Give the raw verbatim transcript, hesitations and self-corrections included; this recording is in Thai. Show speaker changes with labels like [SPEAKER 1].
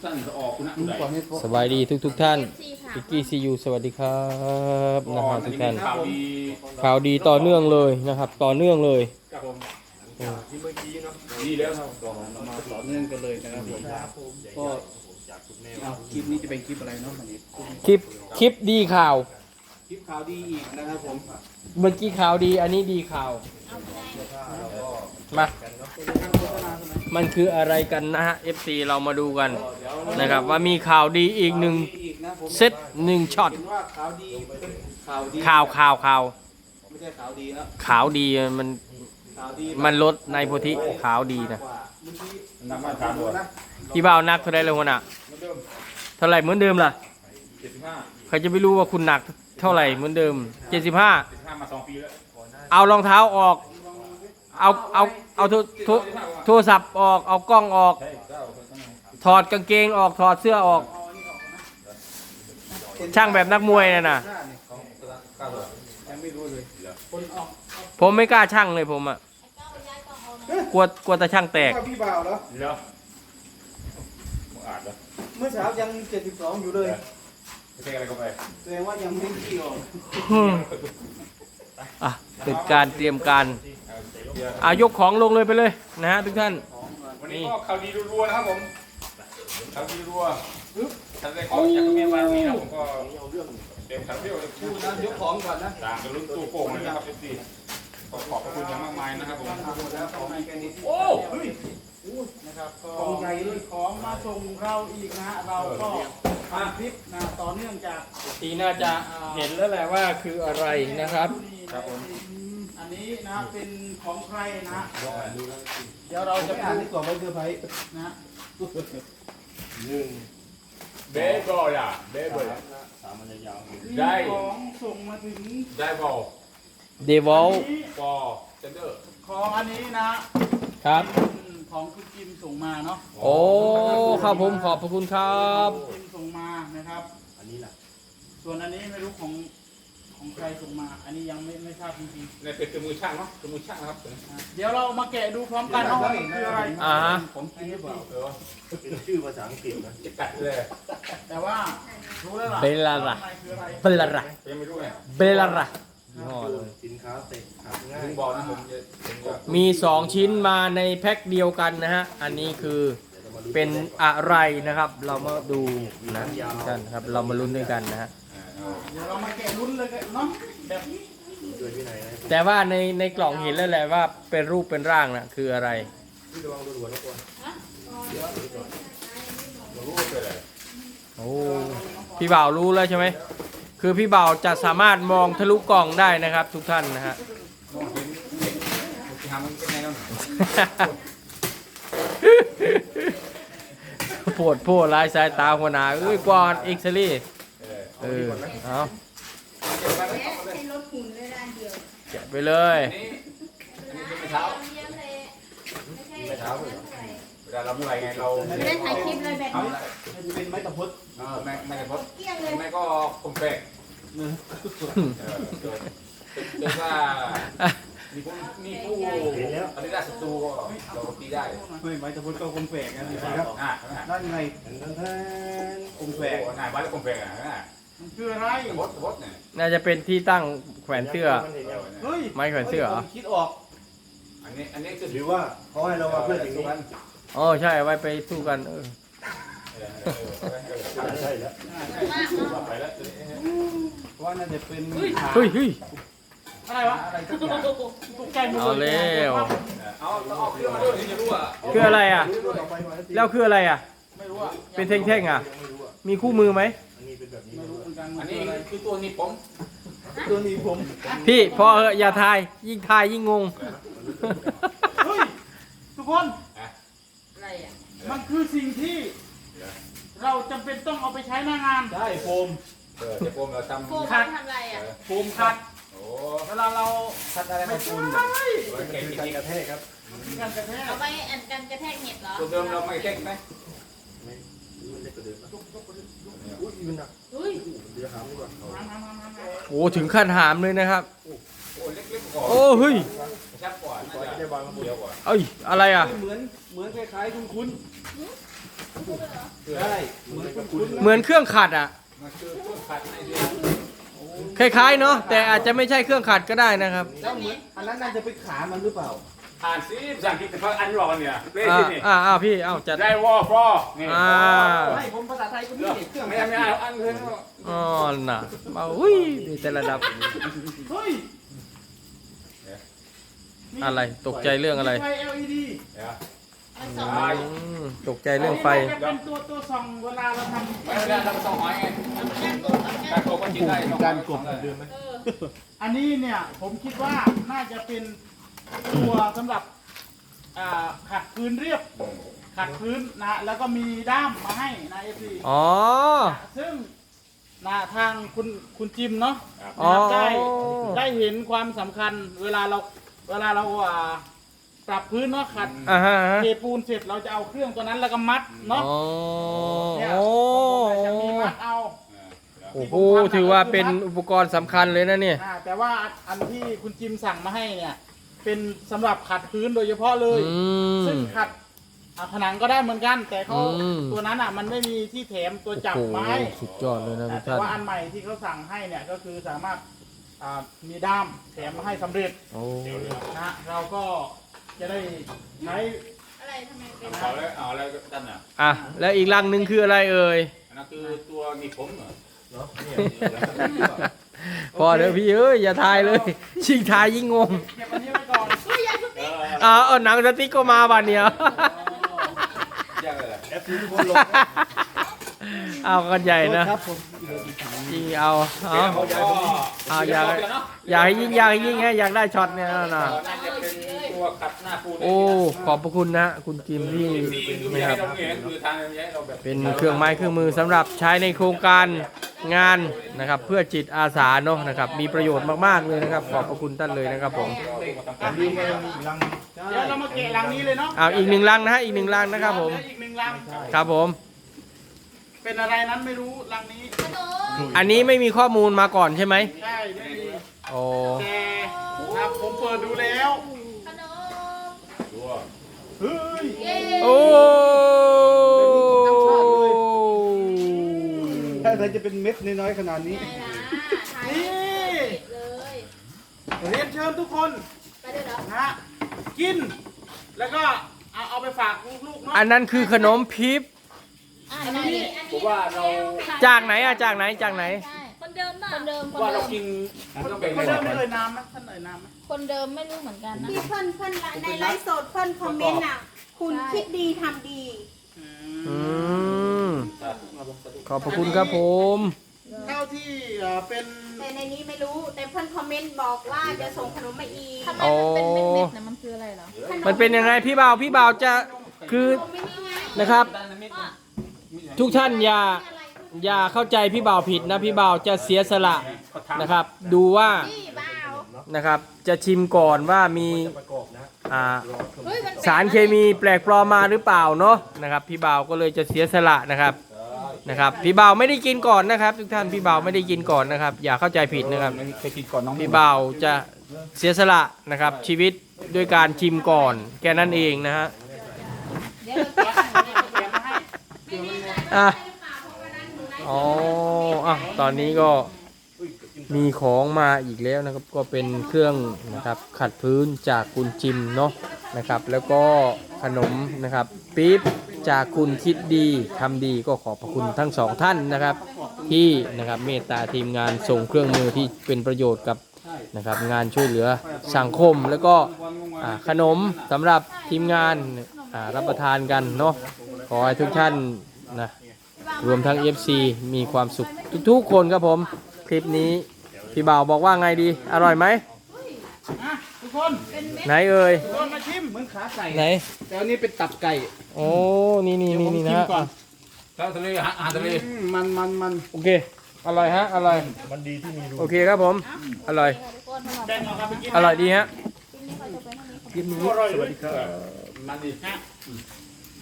[SPEAKER 1] ท่านจะออกคุณนะ
[SPEAKER 2] สบายดีทุกทุกท่านพิกกี้ซียูสวัสดีครับนะครับทุกท่านข่าวดีต่อเนื่องเลยนะครับต่อเนื่องเลย
[SPEAKER 1] ครับผม
[SPEAKER 3] ที่เมื่อกี้เนาะ
[SPEAKER 1] ดีแล้วครับ
[SPEAKER 3] เรามาต่อเนื่องกันเลยนะครับผมก็เอาคลิปนี้จะเป็นคลิปอะไรเนาะวันนี้
[SPEAKER 2] คลิปคลิปดีข่าว
[SPEAKER 3] คลิปข่าวดีอีกนะครับผม
[SPEAKER 2] เมื่อกี้ข่าวดีอันนี้ดีข่าวมามันคืออะไรกันนะฮะ เอฟ ซี เรามาดูกันนะครับว่ามีข่าวดีอีกหนึ่งเซตหนึ่งช็อต
[SPEAKER 3] เห็นว่าข่าวดีเป็นข่าวดี
[SPEAKER 2] ข่าวข่าวข่าว
[SPEAKER 3] ไม่ใช่ข่าวดีนะ
[SPEAKER 2] ข่าวดีมัน
[SPEAKER 3] ข่าวดี
[SPEAKER 2] มันลดในโพธิข่าวดีนะ
[SPEAKER 3] เมื่อกี้
[SPEAKER 1] น้ำมันถามด้วยนะ
[SPEAKER 2] พี่บ่าวนักเท่าไรเลยหัวหน้า
[SPEAKER 1] เหมือนเดิม
[SPEAKER 2] เท่าไหร่เหมือนเดิมล่ะ
[SPEAKER 1] เจ็ดสิบห้า
[SPEAKER 2] ใครจะไปรู้ว่าคุณหนักเท่าไหร่เหมือนเดิมเจ็ดสิบห้า
[SPEAKER 1] เจ็ดสิบห้ามาสองปีแล้ว
[SPEAKER 2] เอารองเท้าออกเอาเอาเอาโทรโทรโทรศัพท์ออกเอากล้องออก
[SPEAKER 1] ใช่เจ้า
[SPEAKER 2] ถอดกางเกงออกถอดเสื้อออก ช่างแบบนักมวยน่ะนะ
[SPEAKER 3] ยังไม่รู้เลยคนออก
[SPEAKER 2] ผมไม่กล้าช่างเลยผมอ่ะกลัวกลัวแต่ช่างแตก
[SPEAKER 3] ว่าพี่บ่าวเหรอ
[SPEAKER 1] เดี๋ยวมึงอ่านแล้ว
[SPEAKER 3] เมื่อเช้ายังเจ็ดสิบสองอยู่เลย
[SPEAKER 1] ไม่ใช่อะไรก็ไป
[SPEAKER 3] แสดงว่ายังไม่เกี่ยว
[SPEAKER 2] อ่ะเป็นการเตรียมการอายกของลงเลยไปเลยนะฮะทุกท่าน
[SPEAKER 1] วันนี้ก็ข่าวดีรัวๆนะครับผมข่าวดีรัวท่านได้ขอจากเมียมาวันนี้นะผมก็เต็มคาราเบลเลย
[SPEAKER 3] พูดนะยกของก่อนนะ
[SPEAKER 1] ต่างกันรุ่นตู้โป่งเลยนะครับเอฟซีขอขอบพระคุณอย่างมากมายนะครับผม
[SPEAKER 3] หมดแล้วของแกนี้
[SPEAKER 1] โอ้เฮ้ย
[SPEAKER 3] นะครับก็ของใหญ่เลยของมาส่งเราอีกนะฮะเราก็ทำคลิปนะต่อเนื่องจาก
[SPEAKER 2] ทีน่าจะเห็นแล้วแหละว่าคืออะไรนะครับ
[SPEAKER 1] ครับผม
[SPEAKER 3] อันนี้นะเป็นของใครนะ เดี๋ยวเราจะอ่านที่กล่องไว้เซอร์ไพรส์นะ
[SPEAKER 1] เบสบอลอ่ะเบสบอลได้
[SPEAKER 3] ของส่งมาถึง
[SPEAKER 1] ได้บอล
[SPEAKER 2] เดวอล
[SPEAKER 1] บอลเซนเดอร์
[SPEAKER 3] ของอันนี้นะครับ เป็นของคุณจิมส่งมาเนาะ
[SPEAKER 2] โอ้ครับผมขอบพระคุณครับ
[SPEAKER 3] คุณจิมส่งมานะครับอันนี้แหละส่วนอันนี้ไม่รู้ของของใครส่งมา อันนี้ยังไม่ไม่ทราบจริง
[SPEAKER 1] ในเป็นเครื่องมือช่างเนาะเครื่องมือช่างนะครับ
[SPEAKER 3] ๆเดี๋ยวเรามาแกะดูพร้อมกันเนาะว่าคืออะไร
[SPEAKER 2] อ่า
[SPEAKER 3] ของจริงหรือเปล่า
[SPEAKER 1] เออ
[SPEAKER 4] เป็นชื่อภาษาอังกฤษนะ
[SPEAKER 1] จะกัดเลย
[SPEAKER 3] แต่ว่ารู้แล้วล่ะ
[SPEAKER 2] เบลล่า
[SPEAKER 3] ว่าข้างในคืออะไร
[SPEAKER 2] เบลล่า
[SPEAKER 1] ยังไม่รู้ไง
[SPEAKER 2] เบลล่ายี่ห้อเลย
[SPEAKER 4] สินค้าเตะขับง่าย
[SPEAKER 1] ถึงบอลนะผมจะผมจะ
[SPEAKER 2] มีสองชิ้นมาในแพ็คเดียวกันนะฮะ อันนี้คือเป็นอะไรนะครับ เรามาดูนะกันครับ เรามาลุ้นด้วยกันนะฮะ
[SPEAKER 3] เดี๋ยวเรามาแกะลุ้นเลยกันเนาะแบบนี้
[SPEAKER 4] ด้วยวินัยนะ
[SPEAKER 2] แต่ว่าในในกล่องเห็นแล้วแหละว่าเป็นรูปเป็นร่างนะคืออะไร
[SPEAKER 4] พี่ระวังโดนหัวนะก่อน
[SPEAKER 1] รู้ว่าเป็นอะไร
[SPEAKER 2] โอ้พี่บ่าวรู้แล้วใช่ไหมคือพี่บ่าวจะสามารถมองทะลุกล่องได้นะครับ ทุกท่านนะฮะ
[SPEAKER 1] มองเห็นจะทำมันเป็นไงเนาะ
[SPEAKER 2] ปวดโพดลายสายตาหัวหน้าเอ้ยกวอนเอ็กซ์ลี่เออเอา
[SPEAKER 5] ให้ลดหุ่นเลยด้านเดียว
[SPEAKER 2] แกะไปเลย
[SPEAKER 1] อันนี้อันนี้เป็นไม้เท้า
[SPEAKER 5] เยี่ยมเลยไม่ใช่
[SPEAKER 1] ไม้เท้าเวลาเราเมื่อไรไงเรา
[SPEAKER 5] ไม่ได้ถ่ายคลิปเลยแบบนี้
[SPEAKER 3] มันจะเป็นไม้ตะพุด
[SPEAKER 1] เออแม่แม่กระพด
[SPEAKER 5] เกลี้ยงเลย
[SPEAKER 1] แม่ก็คมแปกเออเกิดเกิดว่ามีผู้มีผู้อันนี้ได้ศัตรูก็เราตีได้
[SPEAKER 3] เฮ้ยไม้ตะพุดก็คงแปลกนะสิครับ
[SPEAKER 1] อ่า
[SPEAKER 3] นั่นไง
[SPEAKER 4] ทั้งแทน
[SPEAKER 3] คงแป
[SPEAKER 1] แป
[SPEAKER 3] ล
[SPEAKER 1] ล
[SPEAKER 3] ก
[SPEAKER 1] กนายบ้านคมแปลกอ่ะ
[SPEAKER 3] มันคืออะไร
[SPEAKER 1] กระพดกระพดเนี่ย
[SPEAKER 2] น่าจะเป็นที่ตั้งแขวนเสื้อ
[SPEAKER 3] เฮ้ย
[SPEAKER 2] ไม้แขวนเสื้อเหรอ
[SPEAKER 3] ผมคิดออก
[SPEAKER 1] อันนี้อันนี้คือ
[SPEAKER 4] หรือว่าเขาให้เรามาเพื่อสิ่งนี้
[SPEAKER 2] อ๋อใช่เอาไว้ไปสู้กันเออ
[SPEAKER 4] ใช่แล้ว
[SPEAKER 1] ไปแล้ว
[SPEAKER 3] เพราะว่าน่าจะเป็นขา
[SPEAKER 2] เฮ้ยเฮ้ย
[SPEAKER 3] อะไรวะอะไรสักอย่างตกใจหมด
[SPEAKER 2] เอา
[SPEAKER 3] เลย
[SPEAKER 2] แล้ว
[SPEAKER 1] เอาเอาเครื่องมาด้วยถึงจะรู้อ่ะ
[SPEAKER 2] คืออะไรอ่ะ
[SPEAKER 4] ต่อไปมาที
[SPEAKER 2] แล้วคืออะไรอ่ะ
[SPEAKER 3] ไม่รู้อ่ะ
[SPEAKER 2] เป็นเท่งๆอ่ะ มีคู่มือไหม
[SPEAKER 4] อันนี้เป็นแบบนี้
[SPEAKER 3] ไม่รู้เหมือนกัน
[SPEAKER 1] อั
[SPEAKER 3] มัน น
[SPEAKER 1] นี้
[SPEAKER 3] คืออะไร
[SPEAKER 1] คือตัวนี้ผม
[SPEAKER 3] ตัวนี้ผม
[SPEAKER 2] พี่พอเหอะอย่าทาย ยิ่งทายยิ่งงง
[SPEAKER 3] เฮ้ยทุกคน
[SPEAKER 5] อะไรอ่ะ
[SPEAKER 3] มันคือสิ่งที่ เราจำเป็นต้องเอาไปใช้หน้างาน
[SPEAKER 4] ได้โฟม
[SPEAKER 1] เออจะผมเราทำ
[SPEAKER 5] โฟมเอาไปทำอะไรอ่ะ
[SPEAKER 3] โฟมขัด
[SPEAKER 1] โอ้
[SPEAKER 3] เวลาเรา
[SPEAKER 4] คัดอะไร
[SPEAKER 3] ไม่
[SPEAKER 4] มาโฟ
[SPEAKER 3] ใช่
[SPEAKER 4] ม
[SPEAKER 1] ยเก่งจ
[SPEAKER 4] การ
[SPEAKER 1] ริง
[SPEAKER 4] กระแทกครับ
[SPEAKER 3] การกระแทก
[SPEAKER 5] เอาไปอันกันกระแทกเห็บเหรอ
[SPEAKER 1] ตัวเดิมเราไม่เก่งไหม
[SPEAKER 4] ไม่มันเล็กกว่าเดิมนะอุ้ยมันหนัก
[SPEAKER 5] อุ้ย
[SPEAKER 4] เดี๋ยวหามดีกว่า
[SPEAKER 3] น้ำน้ำน้ำน้ำ
[SPEAKER 2] โอ้ถึงขั้นหามเลยนะครับ
[SPEAKER 1] โอ้เล็กๆก่อน
[SPEAKER 2] โอ้เฮ้ย
[SPEAKER 1] ชักก่อนน่าจะเดียวกว่า
[SPEAKER 2] เอ้ยอะไรอ่ะ
[SPEAKER 3] เหมือนเหมือนคล้ายๆคุณคุณ
[SPEAKER 1] โ
[SPEAKER 3] ได้เหมือนคุณ
[SPEAKER 2] เหมือนเครื่องขัดอ่ะ
[SPEAKER 1] มันคือเครื่องขัดให้ดี
[SPEAKER 2] คล้ายๆเนาะแต่อาจจะไม่ใช่เครื่องขัดก็ได้นะครับ
[SPEAKER 3] แล้วเหมือนอันนั้นน่าจะเป็นขามันหรือเปล่า
[SPEAKER 1] อ่านซิภาษาอังกฤษแต่ว่าอันรอนเนี่ยเล่
[SPEAKER 2] อ่า
[SPEAKER 1] ที่นี่
[SPEAKER 2] อ่าอ่าพี่เอาจัด
[SPEAKER 1] ได้วอฟอนี่
[SPEAKER 2] อ่า
[SPEAKER 3] ไม่ผมภาษาไทยก็มีเด็กเครื่อง
[SPEAKER 1] ไม่ไม่เอาอันเลย
[SPEAKER 2] อ๋อน่ะมาอุ้ยดีแต่ระดับ
[SPEAKER 3] เฮ้ย
[SPEAKER 2] อะไรตกใจเรื่องอะไร
[SPEAKER 3] ไฟ แอล อี ดี
[SPEAKER 5] มันสอง
[SPEAKER 2] อืมตกใจเรื่องไฟ
[SPEAKER 3] จะเป็นตัวตัวส่องเวลาเราทำ
[SPEAKER 1] ไม่ได้ทำสองหอยไง
[SPEAKER 5] เอาไปย่างกบเอาไปย่า
[SPEAKER 1] การ
[SPEAKER 5] ง
[SPEAKER 1] โก
[SPEAKER 5] กบ
[SPEAKER 1] ก็กินได้สองหอย
[SPEAKER 3] การกบเดิมไหม
[SPEAKER 5] เออ
[SPEAKER 3] อันนี้เนี่ยผมคิดว่าน่าจะเป็นตัวสำหรับอ่าขัดพื้นเรียบขัดพื้นนะแล้วก็มีด้ามมาให้นะเอฟซี
[SPEAKER 2] อ๋อ
[SPEAKER 3] ซึ่งนะทางคุณคุณจิมเนาะ
[SPEAKER 2] อ๋อ
[SPEAKER 3] นะครับได้ได้เห็นความสำคัญเวลาเราเวลาเราอ่าปรับพื้นเนาะขัด
[SPEAKER 2] อ่าฮะ
[SPEAKER 3] เทปูนเสร็จเราจะเอาเครื่องตัวนั้นแล้วก็มัดเนาะ
[SPEAKER 2] อ๋อ
[SPEAKER 3] เนี่ย
[SPEAKER 2] โอ้
[SPEAKER 3] ผมจะมีมัดเอา
[SPEAKER 2] โอ้โหถือว่าเป็นอุปกรณ์สำคัญเลยนะเนี่ย
[SPEAKER 3] อ่าแต่ว่าอันที่คุณจิมสั่งมาให้เนี่ยเป็นสำหรับขัดพื้นโดยเฉพาะเลย
[SPEAKER 2] อืม
[SPEAKER 3] ซึ่งขัดอ่าผนังก็ได้เหมือนกัน แต่เขา
[SPEAKER 2] อืม
[SPEAKER 3] ตัวนั้นอ่ะมันไม่มีที่แถมตัวจับ
[SPEAKER 2] โอ้โห
[SPEAKER 3] ไม้
[SPEAKER 2] สุดยอดเลยนะทุก
[SPEAKER 3] แต่
[SPEAKER 2] ท่าน
[SPEAKER 3] ว่าอันใหม่ที่เขาสั่งให้เนี่ยก็คือสามารถอ่ามีด้ามแถมมาให้สำเร็จ
[SPEAKER 2] โอ้
[SPEAKER 3] นะเราก็จะได้ใช้
[SPEAKER 5] อะไรทำไมเป็น
[SPEAKER 1] เอาแล้วเอาแล้วด้านน่ะ
[SPEAKER 2] อ่ะแล้วอีกลังหนึ่งคืออะไรเอ่ย
[SPEAKER 1] อันนั้นคือตัวหนีบผมเหรอ
[SPEAKER 4] เนาะเนี่ย
[SPEAKER 2] พอเดี๋ยวพี่เอ้ยอย่าทายเลยชิงทายยิ่งงง
[SPEAKER 3] เก็บอันนี้ไว้ก่อน
[SPEAKER 5] อุ้ยอย่าทุบตี
[SPEAKER 1] เออ
[SPEAKER 2] อ่าเอาหนังสติ๊กก็มาบันเนี่ย
[SPEAKER 1] ยากเลย
[SPEAKER 4] เอฟซีทุกคนลง
[SPEAKER 2] เอากันใหญ่นะครับ
[SPEAKER 3] ผม
[SPEAKER 2] ยิงเอาเอา
[SPEAKER 1] เขาจะ
[SPEAKER 2] เอาอยากอยากให้ยิงอยากให้ยิงให้อยากได้ช็อตเนี่ยนะ
[SPEAKER 1] น่าจะเป็นตัวขัดหน้าปูน
[SPEAKER 2] โอ้ขอบพระคุณนะคุณจิมที่
[SPEAKER 1] ไม่
[SPEAKER 2] นะค
[SPEAKER 1] ให้
[SPEAKER 2] รับ
[SPEAKER 1] เราเห็นคือทางนี้ให้เราแบบ
[SPEAKER 2] เป็นเครื่องไม้เครื่องมือสำหรับใช้ในโครงการงานนะครับ เพื่อจิตอาสาเนาะนะครับ มีประโยชน์มากๆเลยนะครับ ขอบพระคุณท่านเลยนะครับผม
[SPEAKER 3] ดีไงลังเดี๋ยวเรามาเกะลังนี้เลยเนาะ
[SPEAKER 2] เอาอีกหนึ่งลังนะฮะอีกหนึ่งลังนะครับผม
[SPEAKER 3] เหลืออีกหนึ่งลัง
[SPEAKER 2] ครับผม
[SPEAKER 3] เป็นอะไรนั้นไม่รู้ลังนี้
[SPEAKER 5] ขนม
[SPEAKER 2] อันนี้ไม่มีข้อมูลมาก่อนใช่ไหม
[SPEAKER 3] ใช่ไม่มี
[SPEAKER 2] โอ้
[SPEAKER 3] แต่ครับผมเปิดดูแล้ว
[SPEAKER 5] ขนม
[SPEAKER 1] ตัว
[SPEAKER 3] เฮ้ย
[SPEAKER 5] เย้
[SPEAKER 2] โอ้
[SPEAKER 4] ถ้าใครจะเป็นเม็ดน้อยๆขนาดนี้
[SPEAKER 5] ไงล่ะถ่ายติดเลย
[SPEAKER 3] เรียนเชิญทุกคน
[SPEAKER 5] ไปเลยเหรอ
[SPEAKER 3] นะฮะกิน แล้วก็เอาเอาไปฝากลูกๆเนาะ
[SPEAKER 2] อันนั้นคือขนมพิบ
[SPEAKER 5] อ่ะอันนี้
[SPEAKER 1] ผมว่าเรา
[SPEAKER 2] จากไหนอะจากไหนจากไหน
[SPEAKER 5] ใช่คนเดิมป่ะคนเดิมคน
[SPEAKER 1] ว่า
[SPEAKER 5] เดิ
[SPEAKER 1] เรา
[SPEAKER 5] ม
[SPEAKER 1] กินต้องแบ่ง
[SPEAKER 3] เขาเดิมไม่เอ่ยน้ำไหมท่านเอ่ยน้ำไหม
[SPEAKER 5] คนเดิมไม่รู้เหมือนกันนะ
[SPEAKER 6] ที่เพื่อนเพื่อนในไลฟ์สดเพื่อนคอมเมนต์อ่ะ คุณคิดดีทำดี
[SPEAKER 2] อืมขอบพระคุณครับผม
[SPEAKER 3] เท่าที่เอ่อเป็น
[SPEAKER 6] แต่ในนี้ไม่รู้ แต่เพื่อนคอมเมนต์บอกว่าจะส่งขนมมาอีก
[SPEAKER 5] ทำไมมันเป็นเม็ดๆเนี่ยมันคืออะไรเหรอ
[SPEAKER 2] มันเป็นยังไงพี่บ่าวพี่บ่าวจะคือ
[SPEAKER 6] ไม่นี่ไง
[SPEAKER 2] นะครับ ทุกท่านอย่าอย่าเข้าใจพี่บ่าวผิดนะพี่บ่าวจะเสียสละนะครับ ดูว่า
[SPEAKER 6] นี่บ้าว
[SPEAKER 2] นะครับจะชิมก่อนว่ามี
[SPEAKER 4] ประกอบนะ
[SPEAKER 2] อ่า
[SPEAKER 5] เฮ้ยมัน
[SPEAKER 2] สารเคมีแปลกปลอมมาหรือเปล่าเนาะนะครับพี่บ่าวก็เลยจะเสียสละนะครับนะครับพี่บ่าวไม่ได้กินก่อนนะครับ ทุกท่านพี่บ่าวไม่ได้กินก่อนนะครับ อย่าเข้าใจผิดนะครับ
[SPEAKER 1] เคยกินก่อนน้อง
[SPEAKER 2] พี่บ่าวจะเสียสละนะครับชีวิตด้วยการชิมก่อนแค่นั้นเองนะฮะ
[SPEAKER 5] เดี๋ยวเราแกะให้
[SPEAKER 3] เตรียมมาให้
[SPEAKER 2] อ่ะอ๋ออ่ะตอนนี้ก็มีของมาอีกแล้วนะครับ ก็เป็นเครื่องนะครับขัดพื้นจากคุณจิมเนาะนะครับ แล้วก็ขนมนะครับปี๊บจากคุณคิดดีทำดีก็ขอบพระคุณทั้งสองท่านนะครับ ที่นะครับเมตตาทีมงานส่งเครื่องมือที่เป็นประโยชน์กับนะครับงานช่วยเหลือสังคม แล้วก็อ่าขนมสำหรับทีมงานอ่ารับประทานกันเนาะขอให้ทุกท่านนะรวมทั้ง เอฟ ซี มีความสุขทุกๆคนครับผมคลิปนี้พี่บ่าวบอกว่าไงดีอร่อยไหม
[SPEAKER 3] อ่ะทุกคน
[SPEAKER 2] ไหนเอ่ย
[SPEAKER 3] ทุกคนมาชิมเหมือนขาไก่
[SPEAKER 2] ไหน
[SPEAKER 3] แต่อันนี้เป็นตับไก่
[SPEAKER 2] โอ้นี่นี่
[SPEAKER 3] เดี๋ยว
[SPEAKER 2] นี่
[SPEAKER 3] ผม
[SPEAKER 2] นี่
[SPEAKER 3] ชิ
[SPEAKER 2] นะ
[SPEAKER 3] มก่อน
[SPEAKER 1] ข้าวทะเลอาหารทะเล
[SPEAKER 3] อืมมันมันมัน
[SPEAKER 2] โอเคอร่อยฮะอร่อย
[SPEAKER 4] มันดีที่มีรู
[SPEAKER 2] โอเคครับผมอร่อย
[SPEAKER 3] แบ่งเอาครับไปกิน
[SPEAKER 2] อร่อยดีฮะ
[SPEAKER 3] อร่อยเลย
[SPEAKER 1] มันดี
[SPEAKER 3] ฮะ